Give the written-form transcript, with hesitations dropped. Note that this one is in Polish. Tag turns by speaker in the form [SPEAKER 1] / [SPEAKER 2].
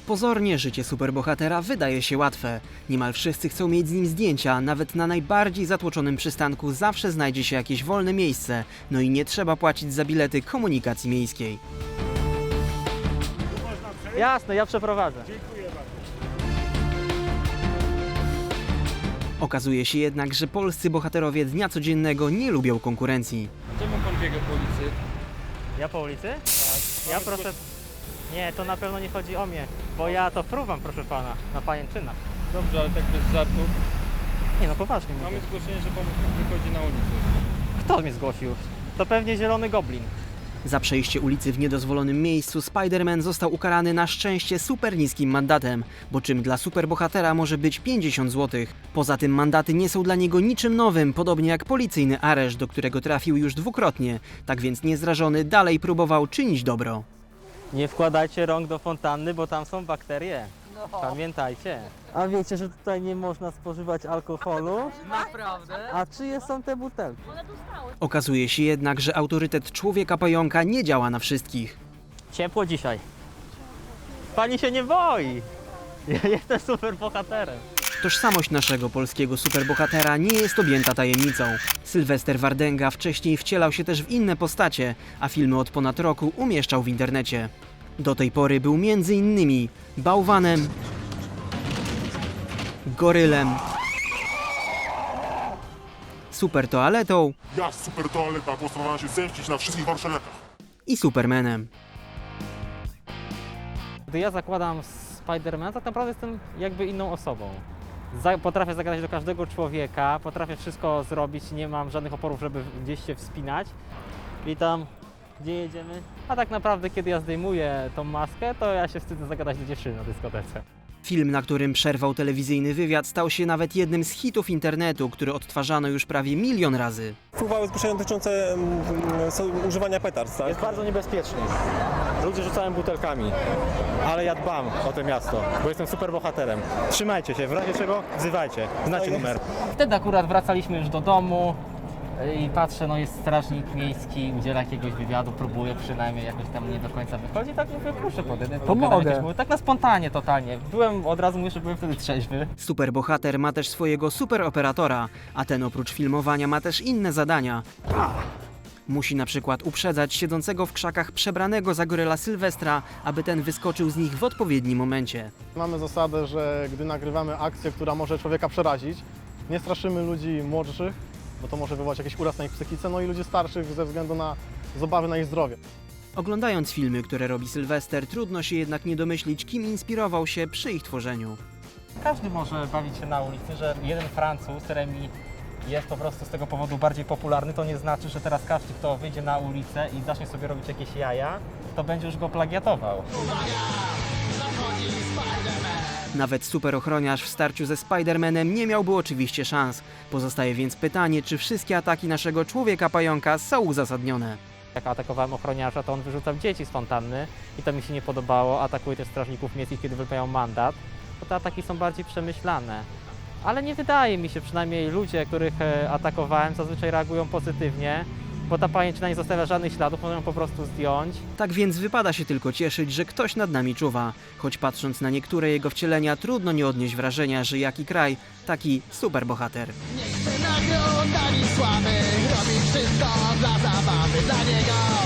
[SPEAKER 1] Pozornie życie superbohatera wydaje się łatwe. Niemal wszyscy chcą mieć z nim zdjęcia, nawet na najbardziej zatłoczonym przystanku zawsze znajdzie się jakieś wolne miejsce, no i nie trzeba płacić za bilety komunikacji miejskiej.
[SPEAKER 2] Jasne, ja przeprowadzę.
[SPEAKER 1] Okazuje się jednak, że polscy bohaterowie dnia codziennego nie lubią konkurencji.
[SPEAKER 3] Czemu pan biega po ulicy?
[SPEAKER 2] Ja po ulicy? Tak. Ja proszę... Nie, to na pewno nie chodzi o mnie, bo ja to fruwam, proszę pana, na pajęczynach.
[SPEAKER 3] Dobrze, ale tak bez żartów.
[SPEAKER 2] Nie no, poważnie
[SPEAKER 3] Mamy
[SPEAKER 2] mówię.
[SPEAKER 3] zgłoszenie, że pan wychodzi na ulicę.
[SPEAKER 2] Kto mnie zgłosił? To pewnie zielony goblin.
[SPEAKER 1] Za przejście ulicy w niedozwolonym miejscu Spider-Man został ukarany na szczęście super niskim mandatem, bo czym dla superbohatera może być 50 zł. Poza tym mandaty nie są dla niego niczym nowym, podobnie jak policyjny areszt, do którego trafił już dwukrotnie. Tak więc niezrażony dalej próbował czynić dobro.
[SPEAKER 2] Nie wkładajcie rąk do fontanny, bo tam są bakterie. Pamiętajcie. A wiecie, że tutaj nie można spożywać alkoholu?
[SPEAKER 4] Naprawdę?
[SPEAKER 2] A czyje są te butelki?
[SPEAKER 1] Okazuje się jednak, że autorytet człowieka pająka nie działa na wszystkich.
[SPEAKER 2] Ciepło dzisiaj. Pani się nie boi. Ja jestem super bohaterem.
[SPEAKER 1] Tożsamość naszego polskiego superbohatera nie jest objęta tajemnicą. Sylwester Wardęga wcześniej wcielał się też w inne postacie, a filmy od ponad roku umieszczał w internecie. Do tej pory był m.in. bałwanem, gorylem, super toaletą
[SPEAKER 5] Ja, super toaleta, postanowiłem się zemścić na wszystkich warszawiakach.
[SPEAKER 1] i supermanem.
[SPEAKER 2] Gdy ja zakładam Spidermana, tak naprawdę jestem jakby inną osobą. Potrafię zagadać do każdego człowieka, potrafię wszystko zrobić, nie mam żadnych oporów, żeby gdzieś się wspinać. Witam, gdzie jedziemy? A tak naprawdę, kiedy ja zdejmuję tą maskę, to ja się wstydzę zagadać do dziewczyny na dyskotece.
[SPEAKER 1] Film, na którym przerwał telewizyjny wywiad, stał się nawet jednym z hitów internetu, który odtwarzano już prawie 1 000 000 razy.
[SPEAKER 6] Wpływały zgłoszenia dotyczące używania petard, tak?
[SPEAKER 7] Jest bardzo niebezpiecznie. Ludzie rzucają butelkami, ale ja dbam o to miasto, bo jestem super bohaterem. Trzymajcie się, w razie czego wzywajcie, znacie numer.
[SPEAKER 2] Wtedy akurat wracaliśmy już do domu i patrzę, no jest strażnik miejski, udziela jakiegoś wywiadu, próbuje przynajmniej jakoś tam nie do końca wychodzi, tak mówię, proszę pomogę. Tak na spontanie totalnie. Od razu mówię, że byłem wtedy trzeźwy.
[SPEAKER 1] Superbohater ma też swojego superoperatora, a ten oprócz filmowania ma też inne zadania. Musi na przykład uprzedzać siedzącego w krzakach przebranego za goryla Sylwestra, aby ten wyskoczył z nich w odpowiednim momencie.
[SPEAKER 8] Mamy zasadę, że gdy nagrywamy akcję, która może człowieka przerazić, nie straszymy ludzi młodszych, bo to może wywołać jakiś uraz na ich psychice, no i ludzi starszych ze względu na obawy na ich zdrowie.
[SPEAKER 1] Oglądając filmy, które robi Sylwester, trudno się jednak nie domyślić, kim inspirował się przy ich tworzeniu.
[SPEAKER 2] Każdy może bawić się na ulicy, że jeden Francuz, Remi, jest po prostu z tego powodu bardziej popularny, to nie znaczy, że teraz każdy, kto wyjdzie na ulicę i zacznie sobie robić jakieś jaja, to będzie już go plagiatował.
[SPEAKER 1] Nawet superochroniarz w starciu ze Spider-Manem nie miałby oczywiście szans. Pozostaje więc pytanie, czy wszystkie ataki naszego człowieka-pająka są uzasadnione.
[SPEAKER 2] Jak atakowałem ochroniarza, to on wyrzucał dzieci z fontanny i to mi się nie podobało. Atakuje też strażników miejskich, kiedy wypełniają mandat. To te ataki są bardziej przemyślane. Ale nie wydaje mi się, przynajmniej ludzie, których atakowałem, zazwyczaj reagują pozytywnie, bo ta pajęczyna nie zostawia żadnych śladów, można ją po prostu zdjąć.
[SPEAKER 1] Tak więc wypada się tylko cieszyć, że ktoś nad nami czuwa. Choć patrząc na niektóre jego wcielenia, trudno nie odnieść wrażenia, że jaki kraj, taki superbohater.
[SPEAKER 9] Niech nagroda mi sławy, robi wszystko dla zabawy, dla niego.